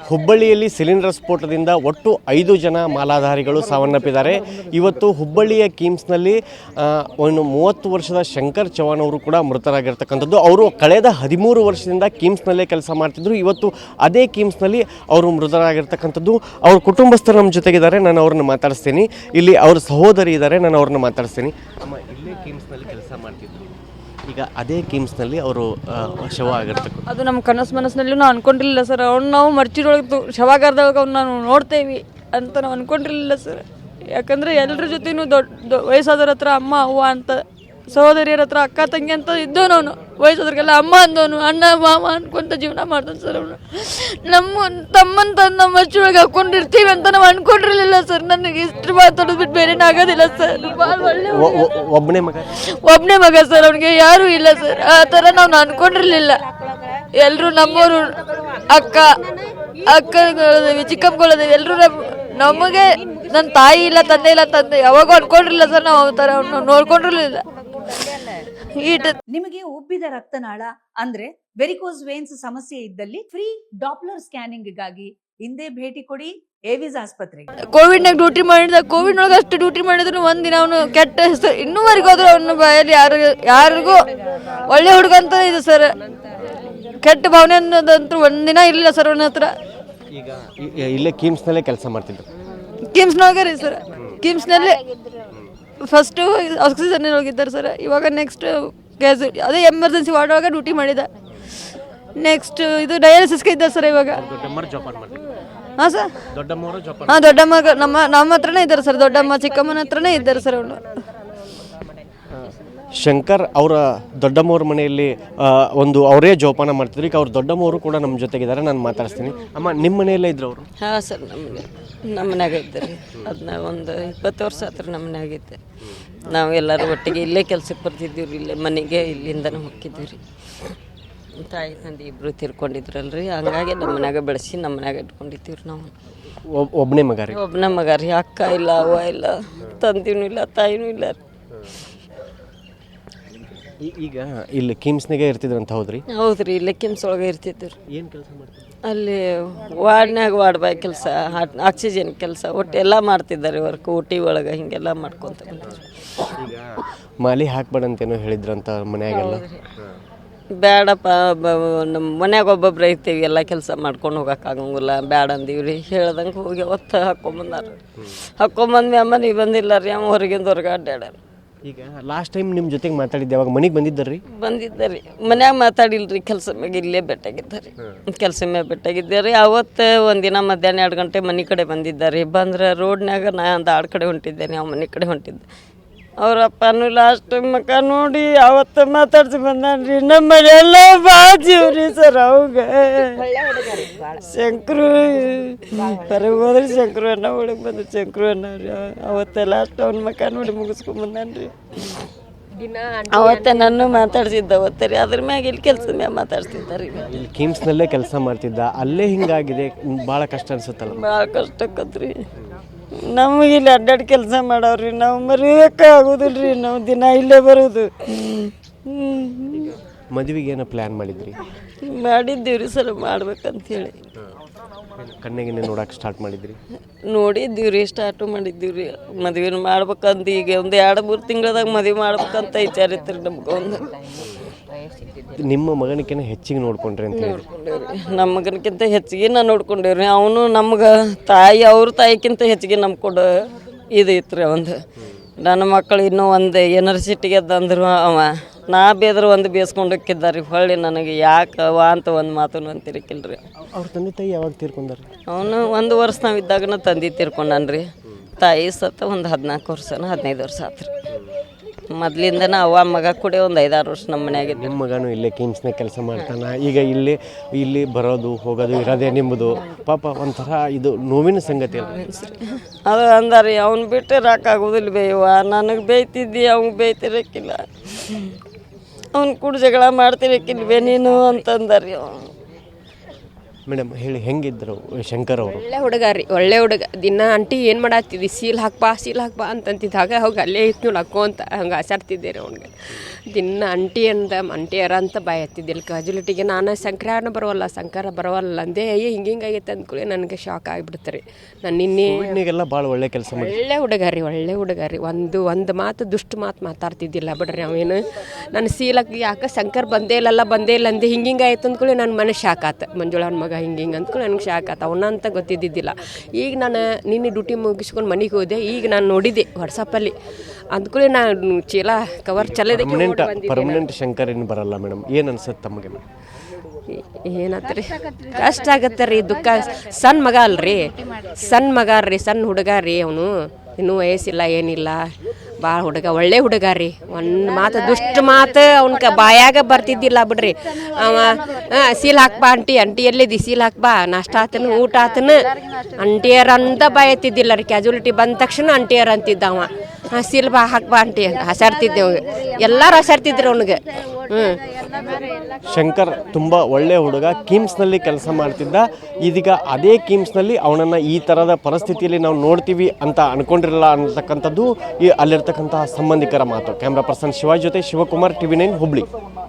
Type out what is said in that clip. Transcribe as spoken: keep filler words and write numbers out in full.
ಹುಬ್ಬಳ್ಳಿಯಲ್ಲಿ ಸಿಲಿಂಡರ್ ಸ್ಫೋಟದಿಂದ ಒಟ್ಟು ಐದು ಜನ ಮಾಲಾಧಾರಿಗಳು ಸಾವನ್ನಪ್ಪಿದ್ದಾರೆ. ಇವತ್ತು ಹುಬ್ಬಳ್ಳಿಯ ಕಿಮ್ಸ್ನಲ್ಲಿ ಒಂದು ಮೂವತ್ತು ವರ್ಷದ ಶಂಕರ್ ಚವಾಣ್ ಅವರು ಕೂಡ ಮೃತರಾಗಿರ್ತಕ್ಕಂಥದ್ದು. ಅವರು ಕಳೆದ ಹದಿಮೂರು ವರ್ಷದಿಂದ ಕಿಮ್ಸ್ನಲ್ಲೇ ಕೆಲಸ ಮಾಡ್ತಿದ್ರು. ಇವತ್ತು ಅದೇ ಕಿಮ್ಸ್ನಲ್ಲಿ ಅವರು ಮೃತರಾಗಿರ್ತಕ್ಕಂಥದ್ದು. ಅವ್ರ ಕುಟುಂಬಸ್ಥರು ನಮ್ಮ ಜೊತೆಗಿದ್ದಾರೆ, ನಾನು ಅವ್ರನ್ನ ಮಾತಾಡಿಸ್ತೀನಿ. ಇಲ್ಲಿ ಅವ್ರ ಸಹೋದರಿ ಇದ್ದಾರೆ, ನಾನು ಅವ್ರನ್ನ ಮಾತಾಡಿಸ್ತೀನಿ. ಅಮ್ಮ, ಇಲ್ಲೇ ಕಿಮ್ಸ್ನಲ್ಲಿ ಕೆಲಸ ಮಾಡ್ತಿದ್ರು, ಈಗ ಅದೇ ಕಿಮ್ಸ್ನಲ್ಲಿ ಅವರು ಶವ ಆಗಿರ್ತಕ್ಕ ಅದು ನಮ್ಮ ಕನಸು ಮನಸ್ಸಿನಲ್ಲೂ ನಾವು ಅನ್ಕೊಂಡಿರಲಿಲ್ಲ ಸರ್. ಅವ್ನು ನಾವು ಮರ್ಚಿಡೊಳಗೆ ಶವಾಗಾರದಾಗ ಅವ್ನು ನಾವು ನೋಡ್ತೇವೆ ಅಂತ ನಾವು ಅನ್ಕೊಂಡಿರಲಿಲ್ಲ ಸರ್. ಯಾಕಂದರೆ ಎಲ್ಲರ ಜೊತೆನೂ ದೊಡ್ಡ ವಯಸ್ಸಾದವ್ರ ಹತ್ರ ಅಮ್ಮ ಅವ್ವ ಅಂತ, ಸಹೋದರಿಯರ ಹತ್ರ ಅಕ್ಕ ತಂಗಿ ಅಂತ ಇದ್ದವನು. ಅವನು ವಯಸ್ಸಾದ್ರಿಗೆಲ್ಲ ಅಮ್ಮ ಅಂದವನು, ಅಣ್ಣ ಮಾಮ ಅನ್ಕೊಂತ ಜೀವನ ಮಾಡ್ತಾನೆ ಸರ್. ಅವನು ನಮ್ಮ ತಮ್ಮನ ತಂದು ನಮ್ಮ ಮರ್ಚಿಯೊಳಗೆ ಹಾಕ್ಕೊಂಡಿರ್ತೀವಿ ಅಂತ ನಾವು ಅನ್ಕೊಂಡಿರಲಿಲ್ಲ ಸರ್. ನನಗೆ ಇಷ್ಟು ಮಾತಾಡೋದು ಬಿಟ್ಟು ಬೇರೆ ಆಗೋದಿಲ್ಲ ಸರ್. ಭಾಳ ಒಳ್ಳೆ ಒಬ್ಬನೇ ಮಗ ಒಬ್ಬನೇ ಮಗ ಸರ್. ಅವನಿಗೆ ಯಾರೂ ಇಲ್ಲ ಸರ್. ಆ ಥರ ನಾವು ಅನ್ಕೊಂಡಿರಲಿಲ್ಲ. ಎಲ್ಲರೂ ನಮ್ಮವರು, ಅಕ್ಕ ಅಕ್ಕಗಳಿದ್ದೀವಿ, ಚಿಕ್ಕಪ್ಪಗಳಿದ್ದೀವಿ, ಎಲ್ಲರೂ ನಮಗೆ ನನ್ನ ತಾಯಿ ಇಲ್ಲ, ತಂದೆ ಇಲ್ಲ, ತಂದೆ ಯಾವಾಗೂ ಅನ್ಕೊಂಡಿರಲಿಲ್ಲ ಸರ್. ನಾವು ಆ ಥರ ನೋಡ್ಕೊಂಡಿರಲಿಲ್ಲ. ನಿಮಗೆ ಉಬ್ಬಿದ ರಕ್ತನಾಳ ಅಂದ್ರೆ ವೆರಿಕೋಸ್ ವೇನ್ಸ್ ಸಮಸ್ಯೆ ಇದ್ದಲ್ಲಿ ಫ್ರೀ ಡಾಪ್ಲರ್ ಸ್ಕ್ಯಾನಿಂಗ್ ಗಾಗಿ ಹಿಂದೆ ಭೇಟಿ ಕೊಡಿ ಏವಿಸ್ ಆಸ್ಪತ್ರೆಗೆ. ಕೋವಿಡ್ ನಾಗ ಡ್ಯೂಟಿ ಮಾಡಿದ, ಕೋವಿಡ್ ಒಳಗೆ ಅಷ್ಟು ಡ್ಯೂಟಿ ಮಾಡಿದ್ರು ಒಂದಿನ ಅವನು ಕೆಟ್ಟ ಹೆಸರು ಇನ್ನೂವರೆಗೂ ಹೋದ್ರು ಅವನ ಬಾಯಲ್ಲಿ ಯಾರು ಯಾರಿಗೂ ಒಳ್ಳೆ ಹುಡುಗ ಅಂತ ಇದೆ ಸರ್. ಕೆಟ್ಟ ಭಾವನೆ ಅನ್ನೋದಂತೂ ಒಂದಿನ ಇರಲಿಲ್ಲ ಸರ್ ಅವನ ಹತ್ರ. ಈಗ ಇಲ್ಲೇ ಕಿಮ್ಸ್ನಲ್ಲೇ ಕೆಲಸ ಮಾಡ್ತಿದ್ರು. ಕಿಮ್ಸ್ನಾಗ ರೀ ಸರ್. ಕಿಮ್ಸ್ನಲ್ಲಿ ಫಸ್ಟು ಆಕ್ಸಿಜನ್ ಹೋಗಿದ್ದಾರೆ ಸರ್. ಇವಾಗ ನೆಕ್ಸ್ಟ್ ಗ್ಯಾಸ್ ಅದೇ ಎಮರ್ಜೆನ್ಸಿ ವಾರ್ಡ್ ಒಳಗೆ ಡ್ಯೂಟಿ ಮಾಡಿದ. ನೆಕ್ಸ್ಟ್ ಇದು ಡಯಾಲಿಸಿಸ್ಗೆ ಇದ್ದಾರೆ ಸರ್ ಇವಾಗ. ಹಾಂ ಸರ್. ಹಾಂ, ದೊಡ್ಡಮ್ಮ ನಮ್ಮ ನಮ್ಮ ಹತ್ರನೇ ಇದ್ದಾರೆ ಸರ್. ದೊಡ್ಡಮ್ಮ ಚಿಕ್ಕಮ್ಮನ ಹತ್ರನೇ ಇದ್ದಾರೆ ಸರ್ ಅವನು. ಶಂಕರ್ ಅವರ ದೊಡ್ಡಮ್ಮವ್ರ ಮನೆಯಲ್ಲಿ ಒಂದು ಅವರೇ ಜೋಪಾನ ಮಾಡ್ತಿದ್ರು. ಈಗ ಅವ್ರ ದೊಡ್ಡಮ್ಮವರು ಕೂಡ ನಮ್ಮ ಜೊತೆಗಿದ್ದಾರೆ, ನಾನು ಮಾತಾಡ್ತೀನಿ. ಅಮ್ಮ, ನಿಮ್ಮ ಮನೆಯಲ್ಲೇ ಇದ್ರು ಅವರು? ಹಾಂ ಸರ್, ನಮಗೆ ನಮ್ಮ ಮನ್ಯಾಗ ಇದ್ದಾರೆ. ಅದನ್ನ ಒಂದು ಇಪ್ಪತ್ತು ವರ್ಷ ಹತ್ರ ನಮ್ಮ ಮನ್ಯಾಗ ಇದ್ದೆ. ನಾವು ಎಲ್ಲರೂ ಒಟ್ಟಿಗೆ ಇಲ್ಲೇ ಕೆಲ್ಸಕ್ಕೆ ಬರ್ತಿದ್ದೀವಿ ರೀ. ಇಲ್ಲೇ ಮನೆಗೆ ಇಲ್ಲಿಂದನೇ ಹೋಗ್ತಿದ್ದೀವಿ ರೀ. ತಾಯಿ ತಂದೆ ಇಬ್ಬರು ತೀರ್ಕೊಂಡಿದ್ರಲ್ರಿ, ಹಂಗಾಗಿ ನಮ್ಮ ಮನ್ಯಾಗ ಬೆಳೆಸಿ ನಮ್ಮ ಮನ್ಯಾಗ ಇಟ್ಕೊಂಡಿದ್ದೀವಿ ರೀ. ನಾವು ಒಬ್ಬನೇ ಮಗ ರೀ? ಒಬ್ಬನೇ ಮಗ ರೀ. ಅಕ್ಕ ಇಲ್ಲ, ಅವ್ವ ಇಲ್ಲ, ತಂದಿನೂ ಇಲ್ಲ, ತಾಯಿನೂ ಇಲ್ಲ ರೀ. ಈಗ ಇಲ್ಲಿ ಕಿಮ್ಸ್ನಾಗೆ ಇರ್ತಿದ್ರು ಅಂತ? ಹೌದ್ರಿ. ಹೌದ್ರಿ, ಇಲ್ಲೇ ಕಿಮ್ಸ್ ಒಳಗೆ ಇರ್ತಿದ್ರು. ಏನು ಕೆಲಸ ಮಾಡ್ತಿದ್ರು ಅಲ್ಲಿ? ವಾರ್ಡ್ನಾಗ ವಾರ್ಡ್ ಬಾಯ್ ಕೆಲಸ, ಆಕ್ಸಿಜನ್ ಕೆಲಸ, ಒಟ್ಟು ಎಲ್ಲ ಮಾಡ್ತಿದ್ದಾರೆ ವರ್ಕ್. ಊಟಿ ಒಳಗೆ ಹಿಂಗೆಲ್ಲ ಮಾಡ್ಕೊತ ಬಂದಿದ್ರು. ಈಗ ಮಾಲಿ ಹಾಕ್ಬೇಡಂತೇನೋ ಹೇಳಿದ್ರಂತ ಮನ್ಯಾಗೆಲ್ಲ? ಬೇಡಪ್ಪ, ನಮ್ಮ ಮನ್ಯಾಗ ಒಬ್ಬೊಬ್ರು ಐತೀವಿ, ಎಲ್ಲ ಕೆಲಸ ಮಾಡ್ಕೊಂಡು ಹೋಗೋಕ್ಕಾಗಂಗಿಲ್ಲ, ಬೇಡ ಅಂದೀವಿ ರೀ. ಹೇಳ್ದಂಗೆ ಹೋಗಿ ಅವತ್ತು ಹಾಕ್ಕೊಂಬಂದಾರ. ಹಾಕ್ಕೊಂಬಂದ್ವಿ. ಅಮ್ಮ ನೀವು ಬಂದಿಲ್ಲ ರೀ, ಅಮ್ಮ ಹೊರಗಿಂದ ಹೊರಗೆ ಅಡ್ಡಾಡ್ಯಾರ. ಈಗ ಲಾಸ್ಟ್ ಟೈಮ್ ನಿಮ್ಮ ಜೊತೆಗೆ ಮಾತಾಡಿದ್ದೆ, ಅವಾಗ ಮನೆಗೆ ಬಂದಿದ್ದರಿ? ಬಂದಿದ್ದಾರೆ. ಮನ್ಯಾಗ ಮಾತಾಡಿಲ್ರಿ, ಕೆಲಸ ಮ್ಯಾಗ ಇಲ್ಲೇ ಬೆಟ್ಟಾಗಿದ್ದಾರೆ. ಕೆಲಸ ಮ್ಯಾಗ ಬೆಟ್ಟಾಗಿದ್ದಾರೆ. ಅವತ್ತು ಒಂದಿನ ಮಧ್ಯಾಹ್ನ ಎರಡು ಗಂಟೆ ಮನೆ ಕಡೆ ಬಂದಿದ್ದಾರೆ. ಬಂದ್ರೆ ರೋಡ್ನಾಗ ನಾ ಒಂದು ಆಡು ಕಡೆ ಹೊಂಟಿದ್ದೇನೆ, ಅವ್ನ ಮನೆ ಕಡೆ ಹೊಂಟಿದ್ದೆ. ಅವರಪ್ಪನೂ ಲಾಸ್ಟ್ ಮಕ್ಕ ನೋಡಿ ಅವತ್ತು ಮಾತಾಡ್ಸಿ ಬಂದಾನ್ರಿ. ನಮ್ಮ ಮನೆಯೆಲ್ಲ ಬಾಜಿವ್ರಿ ಸರ್. ಅವಾಗ ಶಂಕರು ಹೊರಗೆ ಹೋದ್ರಿ, ಶಂಕರು ಅನ್ನ ಒಳಗೆ ಬಂದು ಶಂಕರು ಅನ್ನ ರೀ. ಅವತ್ತೆ ಲಾಸ್ಟ್ ಅವ್ನ ಮಕ್ಕ ನೋಡಿ ಮುಗಿಸ್ಕೊಂಡ್ ಬಂದಾನ್ರಿ. ಅವತ್ತೆ ನನ್ನ ಮಾತಾಡ್ಸಿದ್ದ ಅವತ್ತೆ ರೀ. ಅದ್ರ ಮ್ಯಾಗ ಇಲ್ಲಿ ಕೆಲಸದ ಮ್ಯಾಗ ಮಾತಾಡ್ತಿದ್ದಾರೆ. ಇಲ್ಲಿ ಕಿಮ್ಸ್ನಲ್ಲೇ ಕೆಲಸ ಮಾಡ್ತಿದ್ದ, ಅಲ್ಲೇ ಹಿಂಗಾಗಿದೆ. ಭಾಳ ಕಷ್ಟ ಅನ್ಸುತ್ತಲ್ಲ? ಭಾಳ ಕಷ್ಟ ಆಕತ್ರಿ. ನಮಗೆ ಇಲ್ಲಿ ಅಡ್ಡಾಡಿ ಕೆಲಸ ಮಾಡವ್ರಿ. ನಾವು ಮರೆಯೋಕೆ ಆಗೋದಿಲ್ಲ ರೀ. ನಾವು ದಿನ ಇಲ್ಲೇ ಬರೋದು. ಮದುವೆಗೆ ಏನೋ ಪ್ಲ್ಯಾನ್ ಮಾಡಿದ್ರಿ? ಮಾಡಿದ್ದೀವಿ ರೀ ಸರ್, ಮಾಡ್ಬೇಕಂತೇಳಿ. ಕಣ್ಣಿಗೆ ನೋಡಕ್ಕೆ ಸ್ಟಾರ್ಟ್ ಮಾಡಿದ್ರಿ? ನೋಡಿದ್ದೀವಿ ರೀ, ಸ್ಟಾರ್ಟು ಮಾಡಿದ್ದೀವಿ ರೀ. ಮದುವೆನ ಮಾಡ್ಬೇಕಂತ ಈಗ ಒಂದು ಎರಡು ಮೂರು ತಿಂಗಳದಾಗ ಮದುವೆ ಮಾಡ್ಬೇಕಂತ ವಿಚಾರ ಇತ್ತು ರೀ ನಮ್ಗೆ. ಒಂದು ನಿಮ್ಮ ಮಗನಿಗಿಂತ ಹೆಚ್ಚಿಗೆ ನೋಡ್ಕೊಂಡ್ರಿ ಅಂತ ಹೇಳಿ? ನಮ್ಮ ಮಗನಕ್ಕಿಂತ ಹೆಚ್ಚಿಗೆ ನಾ ನೋಡ್ಕೊಂಡೇವ್ರಿ. ಅವನು ನಮ್ಗೆ ತಾಯಿ ಅವ್ರ ತಾಯಿಗಿಂತ ಹೆಚ್ಚಿಗೆ ನಂಬ್ಕೊಂಡು ಇದು ಇತ್ತು ರೀ. ಒಂದು ನನ್ನ ಮಕ್ಕಳು ಇನ್ನೂ ಒಂದು ಯೂನಿವರ್ಸಿಟಿಗೆ ಅಂದ್ರು ಅವ ನಾ ಬೇದ್ರೆ ಒಂದು ಬೇಸ್ಕೊಂಡು ಹೋಗಿದ್ದಾರೆ. ಹೊಳ್ಳಿ ನನಗೆ ಯಾಕೆ ಅವ ಅಂತ ಒಂದು ಮಾತನ್ನು ಅಂತಿರಕಿಲ್ರಿ. ಅವ್ರ ತಂದೆ ತಾಯಿ ಯಾವಾಗ ತೀರ್ಕೊಂಡ್ರಿ? ಅವನು ಒಂದು ವರ್ಷ ನಾವು ಇದ್ದಾಗನ ತಂದೆ ತೀರ್ಕೊಂಡನ್ರಿ. ತಾಯಿ ಸತ್ತ ಒಂದು ಹದಿನಾಲ್ಕು ವರ್ಷನ ಹದಿನೈದು ವರ್ಷ ಆತ್ರಿ. ಮೊದಲಿಂದನ ಅವ್ವ ಮಗ ಕೂಡ ಒಂದು ಐದಾರು ವರ್ಷ ನಮ್ಮ ಮನೆಯಾಗಿದ್ದು. ನಿಮ್ಮ ಮಗನೂ ಇಲ್ಲೇ ಕಿಮ್ಸ್ನಾಗ ಕೆಲಸ ಮಾಡ್ತಾನೆ. ಈಗ ಇಲ್ಲಿ ಇಲ್ಲಿ ಬರೋದು ಹೋಗೋದು ಇರೋದೇ ನಿಮ್ಮದು. ಪಾಪ ಒಂಥರ ಇದು ನೋವಿನ ಸಂಗತಿ ಅಲ್ಲ? ಅದು ಅಂದಾರಿ, ಅವ್ನು ಬಿಟ್ಟು ರಾಕಾಗೋದಿಲ್ಲ ಬೇಯವ್ವ. ನನಗೆ ಬೇಯ್ತಿದ್ದಿ, ಅವ್ನು ಬೇಯ್ತಿರಕ್ಕಿಲ್ಲ. ಅವ್ನು ಕೂಡ ಜಗಳ ಮಾಡ್ತಿರಕ್ಕಿಲ್ವೇ ನೀನು ಅಂತಂದಾರಿ. ಅವನು ಮೇಡಮ್ ಹೇಳಿ ಹೆಂಗಿದ್ರು ಶಂಕರ್ ಅವರು? ಒಳ್ಳೆ ಹುಡುಗ ರೀ, ಒಳ್ಳೆ ಹುಡುಗ. ದಿನ ಆಂಟಿ ಏನು ಮಾಡತ್ತಿದ್ದಿ, ಸೀಲ್ ಹಾಕ್ಬಾ ಸೀಲ್ ಹಾಕ್ಬಾ ಅಂತಂತಿದ್ದಾಗ ಹೋಗಿ ಅಲ್ಲೇ ಇತ್ತು ಲಕ್ಕೋ ಅಂತ ಹಂಗೆ ಆಸಾಡ್ತಿದ್ದೆ ರೀ ಅವ್ನಿಗೆ. ದಿನ ಅಂಟಿ ಅಂದ ಅಂಟಿಯರ ಅಂತ ಬಾಯ್ ಹತ್ತಿದ್ದಿಲ್ಲ. ಕ್ಯಾಜುಲಿಟಿಗೆ ನಾನು ಸಂಕ್ರಾನ ಬರೋವಲ್ಲ ಸಂಕ್ರಾರ ಬರೋವಲ್ಲ ಅಂದೆ. ಅಯ್ಯೋ ಹಿಂಗೆ ಹಿಂಗಾಗೈತೆ ಅಂದ್ಕೊಳ್ಳಿ ನನಗೆ ಶಾಕ್ ಆಗಿಬಿಡ್ತಾರೆ. ನಾನು ನಿನ್ನೆ ಕೋವಿಡ್ನಾಗೆಲ್ಲ ಭಾಳ ಒಳ್ಳೆ ಕೆಲಸ ಮಾಡಿ ಒಳ್ಳೆ ಹುಡುಗ ರೀ, ಒಳ್ಳೆ ಹುಡುಗ ರೀ. ಒಂದು ಒಂದು ಮಾತು ದುಷ್ಟ ಮಾತು ಮಾತಾಡ್ತಿದ್ದಿಲ್ಲ ಬಿಡ್ರಿ ಅವೇನು. ನಾನು ಸೀಲಕ್ಕೆ ಯಾಕೆ ಶಂಕರ್ ಬಂದೇ ಇಲ್ಲಲ್ಲ ಬಂದೇ ಇಲ್ಲ ಅಂದೆ. ಹಿಂಗೆ ಹಿಂಗೆ ಆಯ್ತು ಅಂದ್ಕೊಳ್ಳಿ ನನ್ನ ಮನೆ ಶಾಕ್ ಆತ. ಮಂಜುಳನ ಮಗ ಹಿಂಗೆ ಹಿಂಗೆ ಅಂದ್ಕೊಳ್ಳಿ ನನಗೆ ಶಾಕ್ ಆತ. ಅವನ ಅಂತ ಗೊತ್ತಿದ್ದಿದ್ದಿಲ್ಲ. ಈಗ ನಾನು ನಿನ್ನೆ ಡ್ಯೂಟಿ ಮುಗಿಸ್ಕೊಂಡು ಮನೆಗೆ ಹೋದೆ. ಈಗ ನಾನು ನೋಡಿದ್ದೆ ವಾಟ್ಸಪ್ಪಲ್ಲಿ. ಅಂದ್ಕೊಳ್ಳಿ ನಾನು ಚೀಲ ಕವರ್ ಚಲೋದಕ್ಕೆ ಪರ್ಮನೆಂಟ್ ಪರ್ಮನೆಂಟ್ ಶಂಕರ್ ಏನು ಬರಲ್ಲ ಮೇಡಮ್, ಏನು ಅನ್ಸುತ್ತೆ ತಮಗೆ? ಏನತ್ತ ರೀ ಕಷ್ಟ ಆಗತ್ತೆ ರೀ, ದುಃಖ. ಸಣ್ಣ ಮಗ ಅಲ್ರಿ, ಸಣ್ಣ ಮಗ ರೀ, ಸಣ್ಣ ಹುಡುಗ ರೀ. ಅವನು ಇನ್ನೂ ವಯಸ್ಸಿಲ್ಲ ಏನಿಲ್ಲ. ಭಾಳ ಹುಡುಗ, ಒಳ್ಳೆ ಹುಡುಗ ರೀ. ಒಂದು ಮಾತು ದುಷ್ಟ ಮಾತು ಅವ್ನ ಬಾಯಾಗ ಬರ್ತಿದ್ದಿಲ್ಲ ಬಿಡ್ರಿ. ಅವ ಸೀಲ್ ಹಾಕ್ಬಾ ಅಂಟಿ ಅಂಟಿ ಎಲ್ಲಿದ್ದಿ ಸೀಲ್ ಹಾಕ್ಬಾ, ನಾಷ್ಟ ಆತನ ಊಟ ಆತನ ಅಂಟಿಯರ್ ಅಂತ ಬಾಯತ್ತಿದ್ದಿಲ್ಲ ರೀ. ಕ್ಯಾಜುಲಿಟಿ ಬಂದ ತಕ್ಷಣ ಅಂಟಿಯರ್ ಅಂತಿದ್ದ ಅವ. ಹಾಂ ಸೀಲ್ ಬಾ ಹಾಕ್ಬಾ ಅಂಟಿ ಹಸಾಡ್ತಿದ್ದೆ ಅವ್ಗೆ. ಎಲ್ಲರೂ ಹಸಾಡ್ತಿದ್ರು ಅವ್ನಿಗೆ. ಹ್ಞೂ ಶಂಕರ್ ತುಂಬ ಒಳ್ಳೆ ಹುಡುಗ, ಕಿಮ್ಸ್ನಲ್ಲಿ ಕೆಲಸ ಮಾಡ್ತಿದ್ದ. ಇದೀಗ ಅದೇ ಕಿಮ್ಸ್ನಲ್ಲಿ ಅವನನ್ನು ಈ ಥರದ ಪರಿಸ್ಥಿತಿಯಲ್ಲಿ ನಾವು ನೋಡ್ತೀವಿ ಅಂತ ಅನ್ಕೊಂಡಿರಲ್ಲ ಅನ್ನತಕ್ಕಂಥದ್ದು ಈ ಅಲ್ಲಿರ್ತಕ್ಕಂತಹ ಸಂಬಂಧಿಕರ ಮಾತು. ಕ್ಯಾಮ್ರಾ ಪರ್ಸನ್ ಶಿವಾಜ್ ಜೊತೆ ಶಿವಕುಮಾರ್, ಟಿವಿ ನೈನ್ ಹುಬ್ಳಿ.